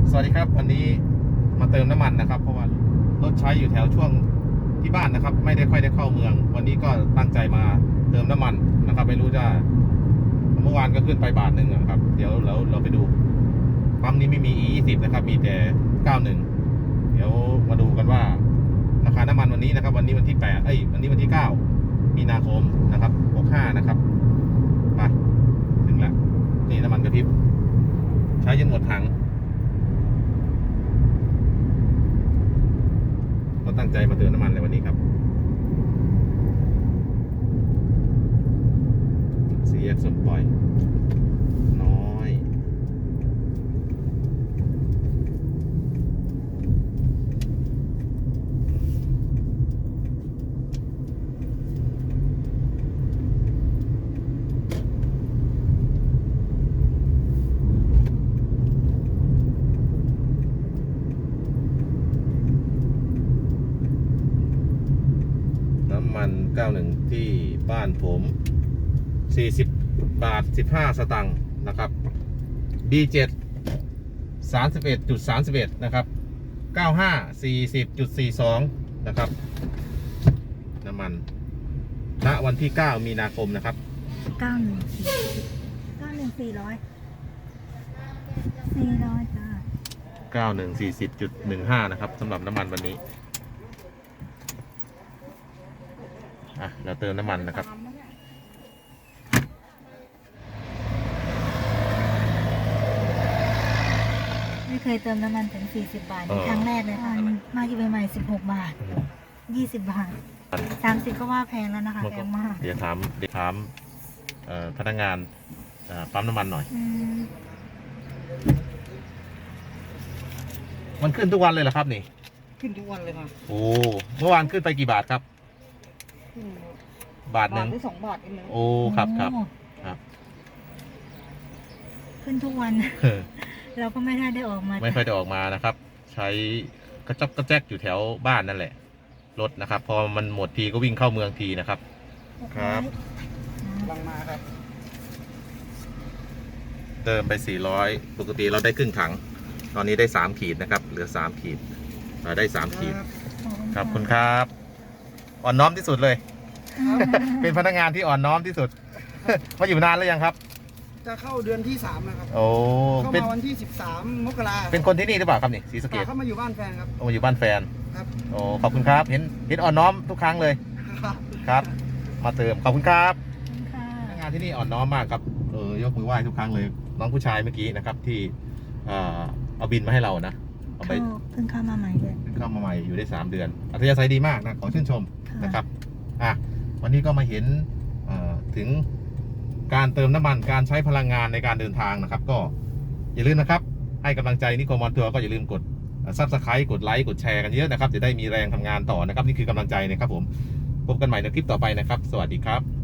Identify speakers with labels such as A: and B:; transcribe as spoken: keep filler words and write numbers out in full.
A: สวัสดีครับวันนี้มาเติมน้ำมันนะครับเพราะว่ารถใช้อยู่แถวช่วงที่บ้านนะครับไม่ได้ค่อยได้เข้าเมืองวันนี้ก็ตั้งใจมาเติมน้ำมันนะครับไม่รู้จะเมื่อวานก็ขึ้นไปบาทหนึ่งครับเดี๋ยวเราเราไปดูปั๊มนี้ไม่มี อี ยี่สิบ นะครับมีแต่เก้าสิบเอ็ดเดี๋ยวมาดูกันว่าราคาน้ำมันวันนี้นะครับวันนี้วันที่แปดเอ้ยวันนี้วันที่เก้ามีนาคมนะครับหกสิบห้านะครับไปถึงแล้วนี่น้ำมันกระพริบใช้จนหมดถังก็ตั้งใจมาเติมน้ำมันในวันนี้ครับ สี่ แยกสมปล่อยน้อยน้ำมันเก้าสิบเอ็ดที่บ้านผมสี่สิบบาทสิบห้าสตางค์นะครับ บี เจ็ด สามสิบเอ็ดจุดสามสิบเอ็ด นะครับ เก้าสิบห้า สี่สิบจุดสี่สอง นะครับน้ำมันณวันที่เก้ามีนาคมนะครับ
B: เก้าหนึ่งสี่เก้าหนึ่งสี่ร้อยสี่ร้อยจ้า
A: เก้าสิบเอ็ด สี่สิบจุดหนึ่งห้า นะครับสำหรับน้ำมันวันนี้อ่ะเราเติมน้ำมันนะครับ
B: ไม่เคยเติมน้ำมันถึงสี่สิบบาทครั้งแรกเลยค่ะมาอยู่ใหม่ๆสิบหกบาทยี่สิบบาทสามสิบก็ว่าแพงแล้วนะคะแพงมาก
A: เดี๋ยวถามเดี๋ยวถามพนักงานปั๊มน้ำมันหน่อยมันขึ้นทุกวันเลยเหรอครับนี่
C: ขึ้นทุกวันเลยค่ะ
A: โอ้เมื่อวานขึ้นไปกี่บาทครับบาทหนึ่ง
C: หรือสองบาทเอง
A: โอ้ครับครับครับ
B: ขึ้นทุกวันเราก็ไม่ได้ได้ออกมา
A: ไม่ค่อยได้ออกมานะครับใช้กระจอกกระแจกอยู่แถวบ้านนั่นแหละรถนะครับพอมันหมดทีก็วิ่งเข้าเมืองทีนะครับครับ
C: ลังมาครับ
A: เติมไปสี่ร้อยปกติเราได้ครึ่งถังตอนนี้ได้สามขีดนะครับเหลือสามขีดเราได้สามขีดครับคุณครับอ่อนน้อมที่สุดเลยเป็นพนักงานที่อ่อนน้อมที่สุดมาอยู่นานแล้วยังครับ
C: จะเข้าเดือนที่สามนะครับ
A: โอ้
C: เข้ามาวันที่สิบสามมกรา
A: เป็นคนที่นี่หรือเปล่าครับนี่ศรีสะเกษ
C: เข้ามาอยู่บ้านแฟนครับ
A: โอ้อยู่บ้านแฟน
C: ครับ
A: โอ้ขอบคุณครับเห็นเห็นอ่อนน้อมทุกครั้งเลยครับมาเติมขอบคุณครับพนักงานที่นี่อ่อนน้อมมากครับเออยกมือไหว้ทุกครั้งเลยน้องผู้ชายเมื่อกี้นะครับที่เอาบินมาให้เรานะ
B: เอาไปเพิ่งเข้ามาใหม่เลย
A: เพิ่งเข้ามาใหม่อยู่ได้สามเดือนอัธยาศัยดีมากนะขอชื่นชมนะครับอ่ะวันนี้ก็มาเห็นถึงการเติมน้ำมันการใช้พลังงานในการเดินทางนะครับก็อย่าลืมนะครับให้กำลังใจนิโคมอนทัวร์ก็อย่าลืมกดซับสไครต์กดไลค์กดแชร์กันเยอะนะครับจะได้มีแรงทำงานต่อนะครับนี่คือกำลังใจนะครับผมพบกันใหม่ในคลิปต่อไปนะครับสวัสดีครับ